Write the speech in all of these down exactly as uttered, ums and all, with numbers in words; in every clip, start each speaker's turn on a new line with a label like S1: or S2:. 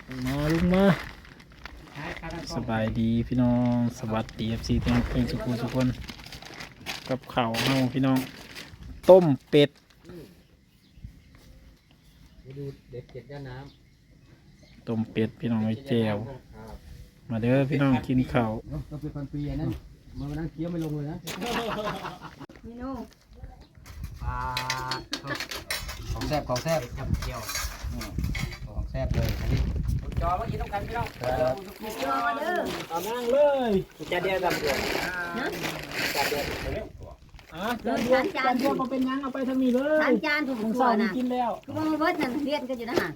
S1: มาลุงมาสบายดีพี่น้องสวัสดีเอฟซีทุกคนทุกคนทุกคนกับข้าวเฮาพี่น้องต้มเป็ด
S2: ดูเด็กเก็บย่าน้
S1: ำต้มเป็ดพี่น้องไอ้แจวมาเด้อพี่น้องกินข้าว
S2: ำต้องเป็นพันปีนั่นมันนั่งเคี้ยวไม่ลงเลยนะ
S3: นี่นู
S2: ปลาของแซ่บของแซ่บทำเคี้ยวของแซ่บเลยอันนี้จอเมื่อกี้ต้องกันพี่น้อง
S3: มีจอเด้อ
S1: เอานั่งเลย
S2: จะเดียวกับเดียว
S3: นะ
S2: จะเดียว
S1: อ่ะจานเดียวจานเดียวก็เป็นยังเอาไปทางนี้เลย
S3: ทานจานถูก
S1: ของ
S3: ตั
S1: เสาว นี่
S3: นะ
S1: กินแล้ว
S3: คือว่าเบิดนั่นเรียนกันอยู่นะฮะ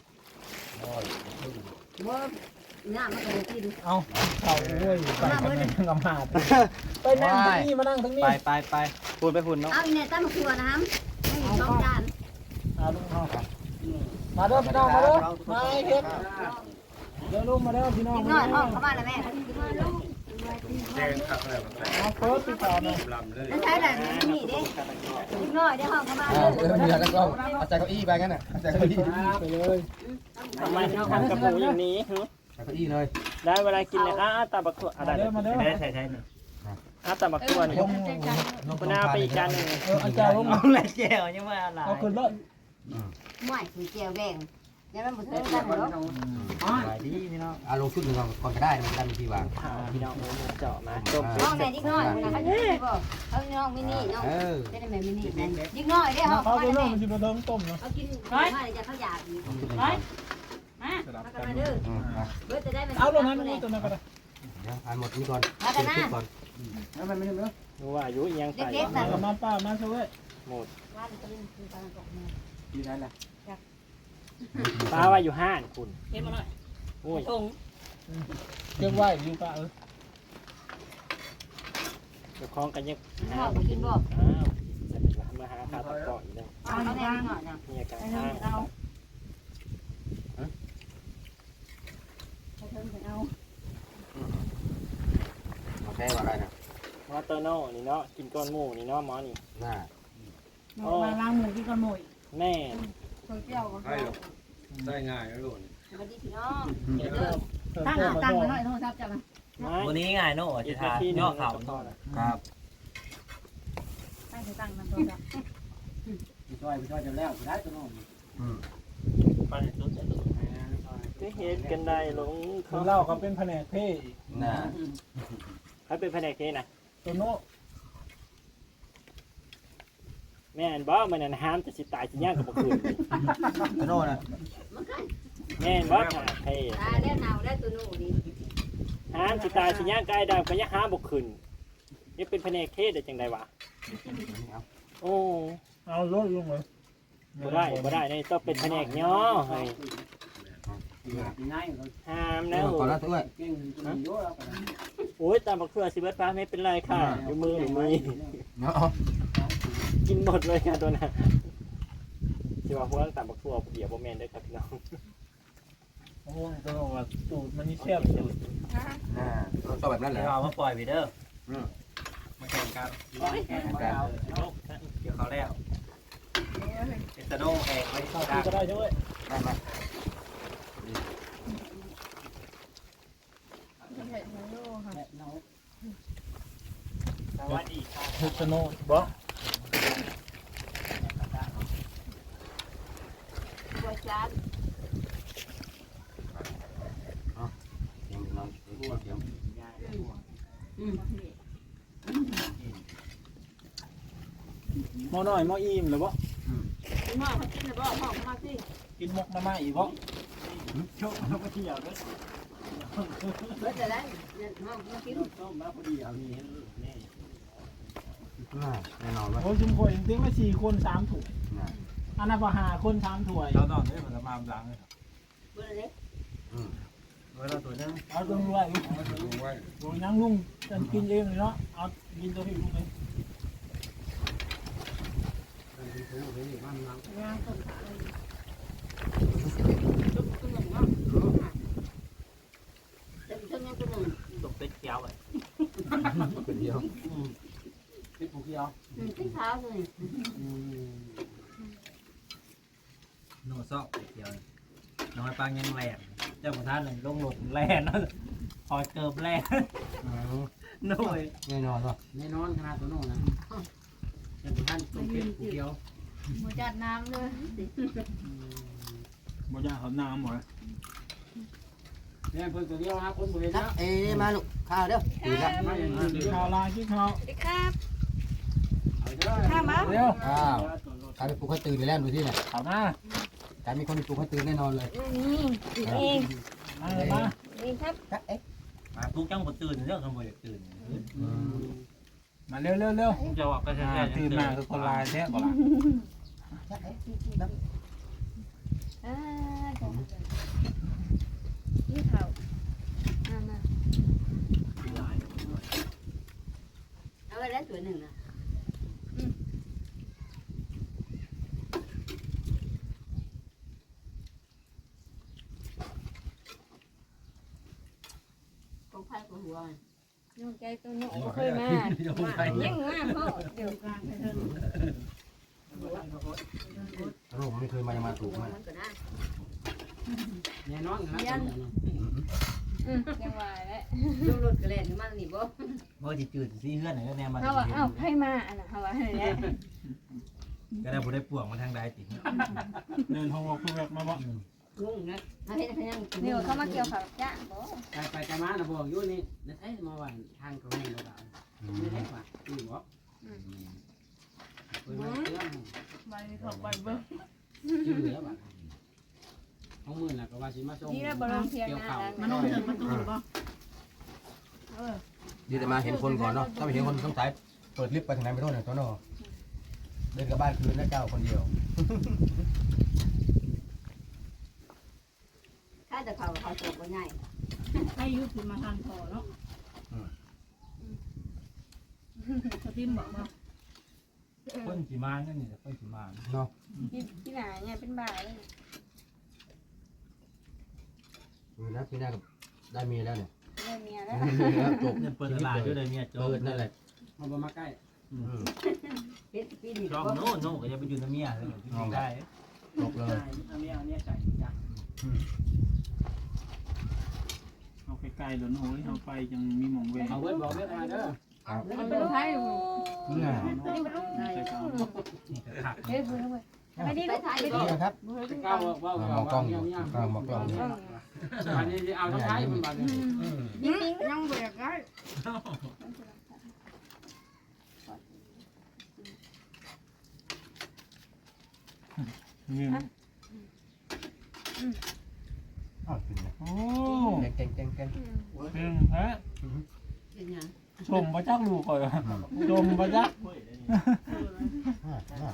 S3: ว่าเนี่ยมันก็เลยกิน
S1: เอาข้าวโอ้ยไปกันเลยกำหาดไปนั่งตรงนี้มานั่งตรงนี้
S2: ไปไปไปพูนไปพูนเนาะ
S3: เอาอีเนี่ยตั้งครัวนะครับไม่มีสองจาน
S1: เอาลุงเอามาเด้อพี่น้องมาเด้อมาไอ้เฮ็ดเดี๋ยวลุงมาเด้อพี่น้อง
S3: อีกน้อยห้องเข้ามาแล้วแม่
S1: เอาเฟิร์สพี่ต่อหน่อย
S3: นั่นใช่แหละนี่เด้อีกน้อยได้ห้องเข้ามา
S2: เอ
S3: เด้
S2: อ
S3: อ
S2: มีอะไรก็เอาใจเก้าอี้ไปงั้นน่ะเอาใจเก้าอี้
S1: ไปเลย
S4: ทำไมถึงทำกับหมูอย่างนี้ฮะ
S2: ใจเก้าอี้เลย
S4: ได้เวลากินเลยอ้าตาบักขวดอะไร
S1: มาเด้อมาเด้อ
S4: ได้ใช่ใช่เนี่ยอ้าตาบักขวดนี่คุณอาไปอีกจานหนึ่ง
S1: เอออาจารย์ลุง
S4: เอาอะไรแก้วยังไม่อะไร
S1: เอาขึ้นเลย
S3: ไม่คือแก้วแดงยังมันบ่เท่ากันหรอก
S4: สบายดีพี่น้อง
S2: เอาลงชุดหนึ่งก่อนก่อนก็ได้มันได้มีที่วาง
S4: พี่น้องเจาะมาต้ม
S3: ห้องไหนอีกน้อยนะเขาจะบ่เขาน้องมินี่น้อง
S2: เออ
S3: จะได้แม่มินี่อีกน้อยได้ห้อง
S1: เขา
S3: เข้ามา
S1: ไป
S3: แม่
S1: เรื่องมันจะไปเดิมต้มเนาะ
S3: เอากินมาจะเขาอยากอีก
S2: ลงชุดหนึ่ง
S3: มา
S1: สลับ
S3: มา
S1: กั
S3: กัน นมาเด้อ
S2: อืมมา
S3: เบิดจะได้มัน
S1: เอาลงนั้นลงตัวนั้นก็ได้
S2: เดี๋ยวอ่านหมดนี้ก่อน
S3: มากันนะ
S2: ก่อนแล้วมันไม่ได้เนาะ
S4: รู้ว่าอายุยังใส่
S1: มามาป้ามาช่วย
S4: หมด
S3: ว่าจะเป็นคือการตกมือ
S2: ที่นั่นแหละ
S4: ป้าว่าอยู่ห้านคุณ
S3: เห็นมาหน่อย
S4: โอ้ย
S3: ทง
S1: เรียกไหวอยู่ป้าเออ
S4: เจ้าของกันยัง
S3: พ่อมากินบ่
S4: อ้าวมาหาข้าวตะกอนอีกแล้ว
S3: เอาแน่หน่อยนะ
S4: มีอาการ
S3: ไป
S4: ข้าง
S3: เถิงเอาไปเถิงเอา
S2: มาแค่ว่าอะไรนะ
S4: มอเตอร์โน่นี่เนาะกินก้อนหมูนี่เนาะหมอนี่
S2: น่า
S3: มาล้างมือที่กันหมด
S4: แม่
S3: เคยเที่ยวก็
S5: ได้ง่ายนะลูก
S3: สวัสดีพี่น้อง
S1: ตั้
S3: ตั้
S1: ง
S3: ง
S1: ตั้
S3: ตั้
S1: ง
S3: ง
S1: มา
S3: มา
S1: ห
S3: ห
S1: น่
S3: น่
S1: อ
S3: อย ยโทรศัพท์จังนะ
S4: วันนี้ง่ายเนาะจะทานย่อเข่าเนาะ
S2: ครับ
S3: ตั้งตั้งมันโทรศัพท์
S2: พี่ช่วยพี่ช่วยจะแล้วได้ตัวน้องอืม
S4: จะเห็นกันได้ลง
S1: คือเล่าเขาเป็นแผนกเท่
S2: น่า
S4: เขาเป็นแผนกเทนะ
S1: ตัวโน้
S4: แม่นบ่มันนั่นห้ามจะสิตายสิย่างกับบ่คืน
S2: ตัวโน่นะ
S3: มันกัน
S4: แม่นบ่ค่ะเท่
S3: ตายแล้วหนาวแล้วตัวนู้นดิ
S4: ห้ามสิตายสิย่างกายดำก็ยังห้ามบ่คืนนี่เป็นแผนกเทได้จังได๋วะโอ้
S1: เอารถลงเลย
S4: บ่ได้บ่ได้นี่ต้องเป็นแผนกย่อให้ห้ามนะ
S2: ก่อนแล้วตัว
S4: โอ้ยตามบักเขือสิเบิดฟ้าไม่เป็นไรค่ะอยู่มืออยู่มือ
S2: เนาะ
S4: กินหมดเลยค่ะตัวนั้นสิว่าพวกตามบักทั่วเดี๋ยวบ่แม่นเด้อครับพี่น้อง
S1: โอ้ยตัวว่าสูตรมันนี่แซ่บสูตร
S2: อ่าเราชอบแบบนั้นแหละ
S4: เอามาปล่อยไปเด้อ
S2: มาแข่งกัน
S4: แข่งกันเดี๋ยวเขาแล้วเอสโน่แข่งไม่
S1: ข้าว
S4: ได้
S1: ก็ได้ช่วย
S2: ได้ไหม
S4: สวัสดีค่ะ
S1: เฮชโน่บ่
S3: บัวจาน
S2: เดี๋ยวน้องเดี๋ยวเดี๋ยว
S3: อืม
S1: หม้อน้อยหม้ออิ่มหรือบ่
S3: พี่น้องเขากินแล้วบ่ห้องมาสิ
S1: กินมกมาม่าอีกบ่
S4: โชคเขาก็เที่ยวด้วย
S3: เบิดจะได้ห้องมากิน
S4: ต้มมาพอดีเอานี่นี่
S2: น่าแน่นอนว่า
S1: โอ้ยชุมพลจริงๆว่าสี่คนสามถุง
S2: น่า
S1: อันนั้นว่าห้าคนสามถ้วย
S5: เราตอนนี้มันจะมาหลังเลย
S3: เบิดเลย
S2: อืม
S4: เวลาตัวนึง
S1: เอาตรงด้วย
S5: ดูไว้
S1: โอ้ยนั่งลุงจะกินเองเลยเนาะเอากินตัวพี่ลุงเลย
S3: งานต้นขาเลยจุ๊บตัวหนึ่งเนาะจะเป็นตัวหนึ่งตัวหนึ่ง
S4: ตกเป็ดเกียวเลย
S2: เป็นเดียว
S1: พี่ผูกยาว
S3: อืมที่เท้าเลย
S4: โนซอกเป็ดเกียวน้อยปลายังแหลมเจ้าประธานเลยลงหลงแล่นเนาะคอยเกิบแล่นหน่อย
S2: แน่นอนเนาะแน่นอนขนาดตัวโน้นนะเจ้าท่านต้มเป็ดผู้เดียว
S3: หมูจัดน้ำเลย
S1: บ่ยากเขาน้ำหมด
S2: เนี่ยเพิ่นตัวเดียวครับคนบริเวณนะเอ้มาลูกข้าวเด้อดีครับมาอย่างนี้
S1: กินข้าวลากินข้าว
S3: สวัสดีครับ
S2: ข้ามา
S1: เร็ว
S2: อ้าวกลายเป็นปลุกให้ตื่นไปแล้วดูที่ไหน
S1: ข้าวมาก
S2: ลายมีคนปลุกให้ตื่นแน่นอนเลย
S3: นี่เอง
S1: มาเลยมา
S3: นี่ครับ
S2: เอ๊ะ
S4: มาทุกจังบ่ตื่นเรื่องคำบ่อยากตื่น
S1: มาเร็วเร็วเร็ว
S4: จะว่าก็จะ
S1: อ่าตื่นมาคือคนลายแท้ก่อนละ
S3: อ่านี่เขามามาเอาไปแล้วตัวหนึ่งนะของพันของหัวน้องใจตัวน้องบ่เคยมายังมาเพราะเดี๋ยวกลางไปเถอะ
S2: ลูกไม่เคยมายังมาถูกมันแน่นอนครับ
S3: อืมยังว่าแล้วลูกรถกระเล่นมาหนีบ่
S4: บ่สิตื่นสิเฮือนไหนก็แน่มา
S3: เฮาว่าเอ้าให้มาอันน่ะเฮาว่าให้แล้ว
S4: ก็ได้บ่ได้ป่วงมาทางใดติ
S1: เดินห้องวอล์กแวกมาบ่
S3: งงนะมาเฮ็ดให้ยังนี่เขามาเกี่ยวข้าวจ้าบ่
S2: ไปไปกันมานะบอกอยู่นี่นั่นไอ้มาว่าทางเขาให้เราได้ไม่ได้ว่าอยู่บ่เพิ่นมาเรื่อง
S3: มาเขาไปเบิ่ง
S2: ชื่อเหลือบ่ห้องมือน่ะก็ว่าสิมาส่ง
S3: นี่แล้วบ่ลงเพียงนะ
S2: มันต้องถึงประตูบ่เออดีแต่มาเห็นคนก่อนเนาะถ้าไม่เห็นคนต้องสายเปิดลิฟต์ไปทางไหนไม่รู้เนี่ยตัวเนาะเดินกลับบ้านคืนนะเจ้าคนเดียว
S3: ถ้าจะเขาเขาตกบ่ง่าย
S6: ให้ยุบขึ้นมาทานพอเนาะเขาทิมบอกว่า
S4: เพิ่นสิมานั่นนี่เพิ่นสิมา
S2: เนาะ
S3: ที่ที่ไหนเนี่ยเป็นบ่าย
S2: มีนะพี่นากับได้มีแล้วเนี่ย
S3: ได้เมียแล้ว
S2: จบ
S4: เงินเปิดตลาดอยู่เลยเนี่ยจ
S2: เปิดนั่นแหละมันมาใกล้
S3: เฮ็ดปีนี้
S4: จอมโน่โน่ก็จะไปอยู่น้ำเมียเลยได้
S2: จบเลย
S4: น้ำเมียเนี่ยใจจ้ะ
S1: เอาใกล้ๆเดี๋ยวโอ้ยเอาไปยังมีหม่องเวร
S2: เอาเว้นบอกเว้นมาเด้อ
S3: มันเป็นไผ
S2: นี่ไง
S3: นี่มัน
S1: ใส่กาว
S4: นี่ก็ขัก
S3: เฮ้ยเพิ่นเว้ยไปดิไปถ่ายไปดิ
S2: นี่ครับ
S3: ก้าวว่า
S2: มองกล้องอยู่กลางมองกล้องอยู่
S3: อันนี้เอาทั้งท้ายมันบาดนี่ยิงๆยังบ่อยากได้
S1: เงี้ย
S2: อ้าวขึ้นเลย
S1: โอ้
S2: เก่งเก่งเก่ง
S1: เพิ่งฮะ
S3: เป็นหยัง
S1: ชมพระจักลูกก่อนชมพระจัก
S2: อ่าอ่า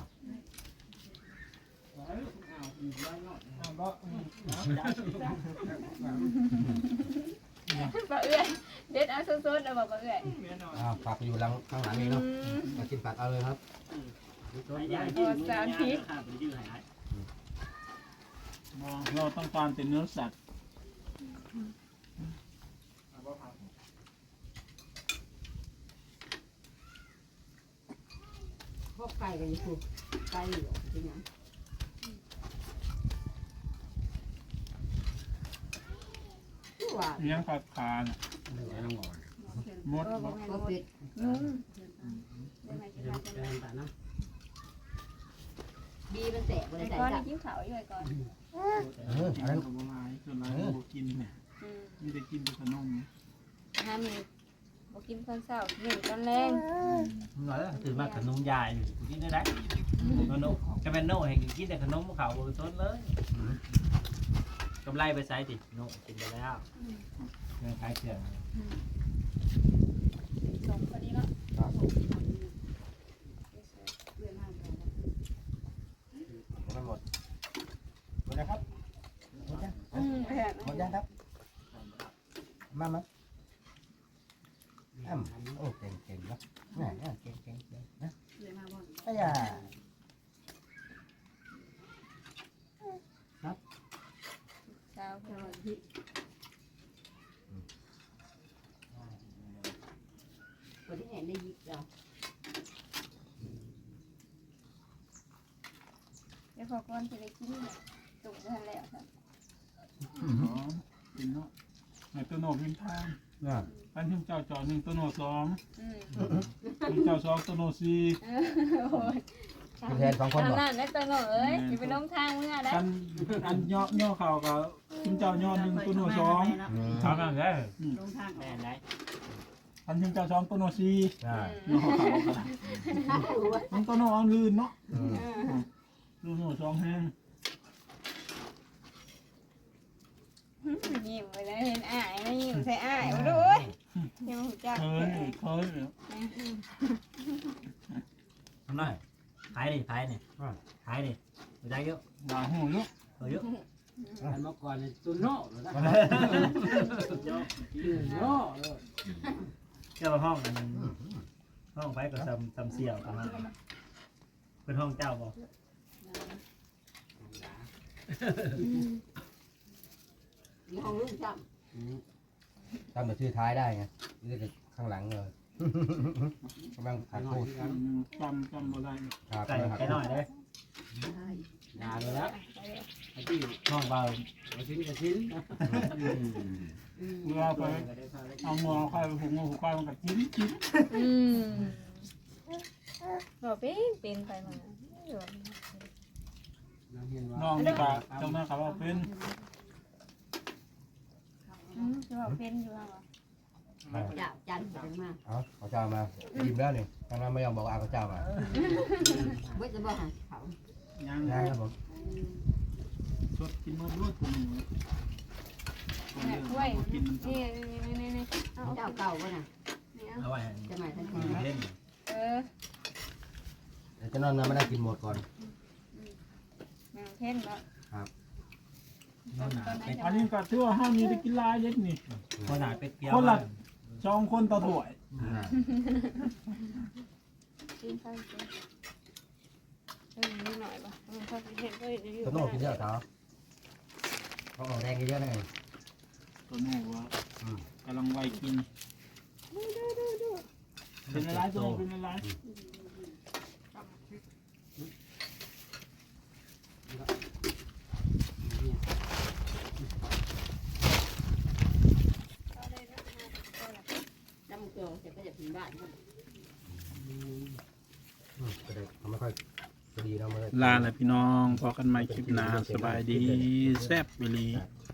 S3: บ่เอื้อยเด็ดเอาสดๆแล้วบ่บ่เอื้อย
S2: อ่าฝากอยู่หลังข้างหลังนี้เนาะมากินผักเอาเลยครับ
S1: เราต้องการเป็นเนื้อสัตว์
S3: พวกไก่กันอยู่ไก่อยู่เป็นหยังว่า
S1: เลี้ยงขาคานมด
S3: บ่บ่เป็ดนุ่มได้ไหมที่ทานบีมันแตกบ่ได้ใส่จ้ะกินข้าวอยู่ก่อน
S2: เอออะไร
S1: ขนมลายขนมลายบ่กินเนี่ยมีแต่กินแต่ขนม
S3: ห้ามีบ่กินตอนเช้าหนึ่งตอนแรง
S4: หน่อยแล้วตื่นมาขนมยายอยู่กินได้ได้โน่จะเป็นโน่ให้กินแต่ขนมขาวบนต้นเลยกำไรไปใส่ติโน่กินไปแล้วเงินขายเครื่อง
S3: สองพอดีแล้ว
S2: หมดหมดนะครับหมดยัง
S3: อืมแพง
S2: หมดยังครับมามาอ้ำโอ้เก่งเก่งนะนี่เก่งเก่งเก่งนะ
S6: เลยมาบอก
S2: ไอ้ยา
S3: เช้าเพิ่นที่บ่ได้เห็นได้ยิบแล้ว เดี๋ยวพอก่อนจะได้กินเนี่ยตุ่มทันแล้วครับ
S1: เป็นเนาะในตัวโนพิมพ์ทาง
S2: น่ะ
S1: อันพิมพ์เจ้าจอหนึ่งตัวโนสอง
S3: อืม
S1: พิมพ์เจ้าสองตัวโนสี่
S3: โอ้ย
S2: คือแทนสองคนบ่
S3: ทำนั่นได้ตัวหน่อยเอ้ยอย่าไปลงทางมึงอ่ะได้
S1: อันอันย่อย่อเข่ากับพิมพ์เจ้าย่อหนึ่งตัวโนสอง
S2: อืม
S4: ทำนั่นได้
S6: ลงทางอ
S4: แม่
S6: อก
S4: นได้
S1: อันพิมพ์เจ้าสองตัวโนสี่
S2: ใช่
S1: ย่อเข่ากันมันตัวโนอันลื่นเนาะ
S2: อืม
S1: ตัวโนสองแห้ง
S3: ยิ้มไปเลยเห็นอ้ายไม่ยิ้มใส่อ้ายมาดูเอ้ยยังหูจัก
S1: เคยเคย
S4: ทำหน่อยขายดิขายดิขายดิได้เยอะ
S1: ด่าหูเยอะ
S4: เยอะ
S5: อันเมื่อก่อนนี่ตุนโน่เลยนะโน่
S4: เจ้าห้องอันห้องไปกับซัมซัมเสี่ยวกันเป็นห้องเจ้าบ่
S3: มีห้องลูกจับ
S2: จำแต่ชื่อท้ายได้ไงนี่ก็ข้างหลังเลยกำลังขาดพูด
S1: จำจำบ่ได้
S2: ครับ
S4: ไก่ไก่หน่อยเลย
S5: ยาเลยแล้ว
S4: ไอ้ที่ห้องเบา
S5: ชิ้นกับชิ้น
S1: เวลาไปเอางอควายไปหุงงอหุงควายมันก็จิ้มจิ้ม
S3: อืมบอกเป็นเป็นไปมา
S1: น้องนี่ก็เจ้าหน้าเขาว่าเป็น
S3: อืมจะบอกเป็นอยู่แล้ว
S7: จับจันทร์ถึงมา
S2: เอาเขาเจ้ามายิ้มแล้วนี่ทางนั้นไม่ยอมบอกอาเขาเจ้ามา
S7: เว้ยจะบอกหาเขา
S1: ยัง
S2: ได้ครับผม
S1: สดกินมันด้วยตัวนี้
S3: เนี่ยถ้วยนี่นี่นี่นี่เอา
S7: เจ้าเก่าป่ะน่ะ
S3: นี่
S4: เอาไว้
S7: จะมาทันที
S4: เล่น
S3: เออ
S2: เดี๋ยวจะนอนนะไม่ได้กินหมดก่อน
S3: แมวเท่นแล้ว
S4: น้องหนาเป็ด
S1: อันนี้ก็ถือว่าห้ามมีได้กินลายเล็กนี่
S4: คนหนาเป็ดเกี๊ยว
S1: คนละสองคนต่อถ้วย
S3: กินข้าวกินเออนิดหน่อยป่ะเออข้าวเห็นก็อยู่
S2: ตัวโน่กินเยอะเขาเขาออกแรงเยอะๆหน่อย
S1: ตัวนู้ว่ากำลังไวกินเป็นอะไรตัวเป็นอะไร
S7: จำเกี่ยวจะไปจากถึงบ้าน
S2: ก็ได้เขาไม่ค่อยจะดีเราไม่ได้
S1: ลาแล้วพี่น้องพอกันใหม่คลิปหน้าสบายดีแซ่บไปลี